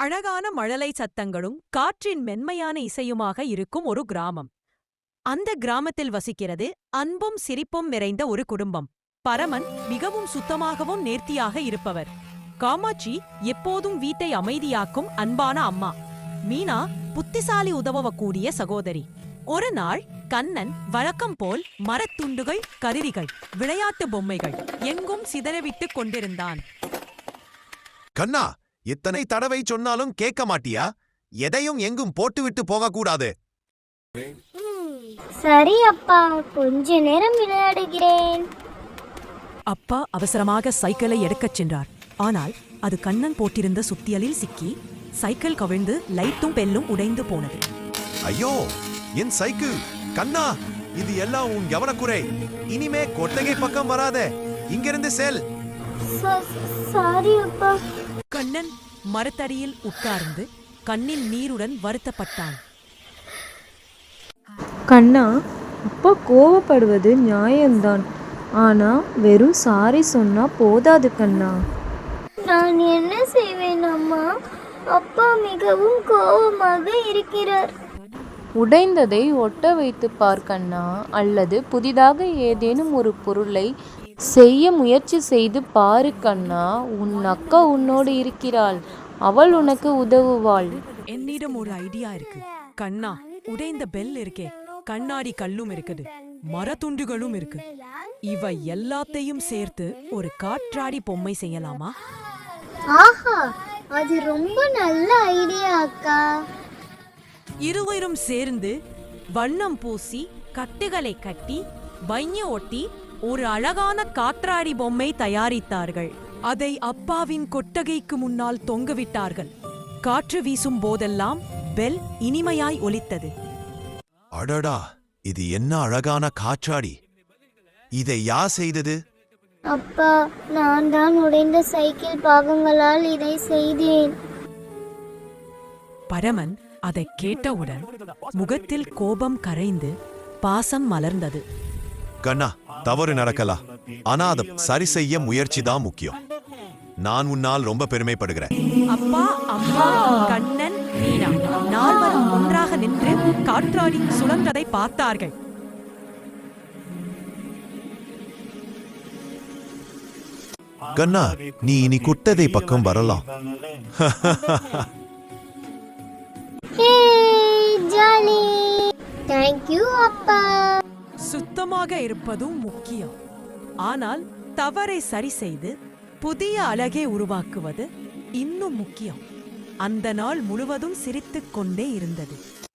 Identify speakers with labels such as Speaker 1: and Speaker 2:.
Speaker 1: அழகான மழலை சத்தங்களும் காற்றின் மென்மையான இசையுமாக இருக்கும் ஒரு கிராமம். அந்த கிராமத்தில் வசிக்கிறது அன்பும் சிரிப்பும் நிறைந்த ஒரு குடும்பம். பரமன் மிகவும் சுத்தமாகவும் நேர்த்தியாக இருப்பவர். காமாட்சி எப்போதும் வீட்டை அமைதியாக்கும் அன்பான அம்மா. மீனா புத்திசாலி உதவக்கூடிய சகோதரி. ஒரு நாள் கண்ணன் வழக்கம் போல் மரத்துண்டுகள், கருவிகள், விளையாட்டு பொம்மைகள் எங்கும் சிதறவிட்டுக் கொண்டிருந்தான்.
Speaker 2: கண்ணா, இத்தனை தடவை சொன்னாலும் கேட்க மாட்டியா? எதையும் எங்கும் போட்டுவிட்டு போகக்கூடாது.
Speaker 3: சரி அப்பா, கொஞ்ச நேரம் விளையாடுகிறேன்.
Speaker 1: அப்பா அவசரமாக சைக்கிளை எடுக்கச் சென்றார். ஆனால் அது கண்ணன் போட்டிருந்த சுத்தியலில் சிக்கி சைக்கிள் கவிழ்ந்து லைட்டும் பெல்லும் உடைந்து போனது.
Speaker 2: ஐயோ, என் சைக்கிள்! கண்ணா, இது எல்லாம் உன் கவனக்குறை. இனிமே கொட்டகை பக்கம் வராதே. இங்கிருந்து செல்.
Speaker 3: சாரி அப்பா.
Speaker 1: கண்ணன் மரத்தடியில் உட்கார்ந்து கண்ணில் நீருடன் வருத்தப்பட்டான்.
Speaker 4: கண்ணா, அப்பா கோவப்படுவது நியாயம்தான். ஆனா வெறும் சாரி சொன்னா போதாது கண்ணா.
Speaker 3: நான் என்ன செய்வேன் அம்மா? அப்பா மிகவும் கோபமாக இருக்கிறார்.
Speaker 4: உடைந்ததை ஒட்ட வைத்து பார் கண்ணா, அல்லது புதிதாக ஏதேனும் ஒரு பொருளை செய்ய முயற்சி செய்து பாரு கண்ணா. உன் அக்கா உன்னோடு இருக்கிறாள், அவள் உனக்கு உதவுவாள்.
Speaker 1: என்னிடம் ஒரு ஐடியா இருக்கு கண்ணா. உடைந்த பெல் இருக்கே, கண்ணாடி கல்லும் இருக்குது, மரத்துண்டுகளும் இருக்கு. இவை எல்லாத்தையும் சேர்த்து ஒரு காற்றாடி பொம்மை செய்யலாமா?
Speaker 3: ஆஹா, அது ரொம்ப நல்ல ஐடியா அக்கா.
Speaker 1: இருவரும் சேர்ந்து வண்ணம் பூசி கட்டுகளை கட்டி பைய ஒட்டி ஒரு அழகான காற்றாடி பொம்மை தயாரித்தார்கள். அதை அப்பாவின் கொட்டகைக்கு முன்னால் தொங்கவிட்டார்கள். காற்று வீசும் போதெல்லாம் பெல் இனிமையாய் ஒலித்தது.
Speaker 2: அடடா, இது என்ன அழகான காற்றாடி! இதை யார் செய்தது?
Speaker 3: அப்பா, நான் தான் உடைந்த சைக்கிள் பாகங்களால் இதை செய்தேன்.
Speaker 1: பரமன் அதை கேட்டவுடன் முகத்தில் கோபம் கரைந்து பாசம் மலர்ந்தது.
Speaker 2: கண்ணா, தவறு நடக்கலாம். ஆனா அதை சரி செய்ய முயற்சி தான் முக்கியம். நான் உன்னால் ரொம்ப பெருமைப்படுகிறேன்.
Speaker 1: அப்பா, அம்மா, கண்ணன், மீனா நால்வரும் ஒன்றாக நின்று காற்றாடி சுழன்றதை பார்த்தார்கள்.
Speaker 2: கண்ணா, நீ இனி குட்டதை பக்கம் வரலாம்.
Speaker 3: ஜாலி. தேங்க் யூ அப்பா.
Speaker 1: சுத்தமாக இருப்பதும் முக்கியம். ஆனால் தவறை சரி செய்து புதிய அழகை உருவாக்குவது இன்னும் முக்கியம். அந்த நாள் முழுவதும் சிரித்துக் கொண்டே இருந்தது.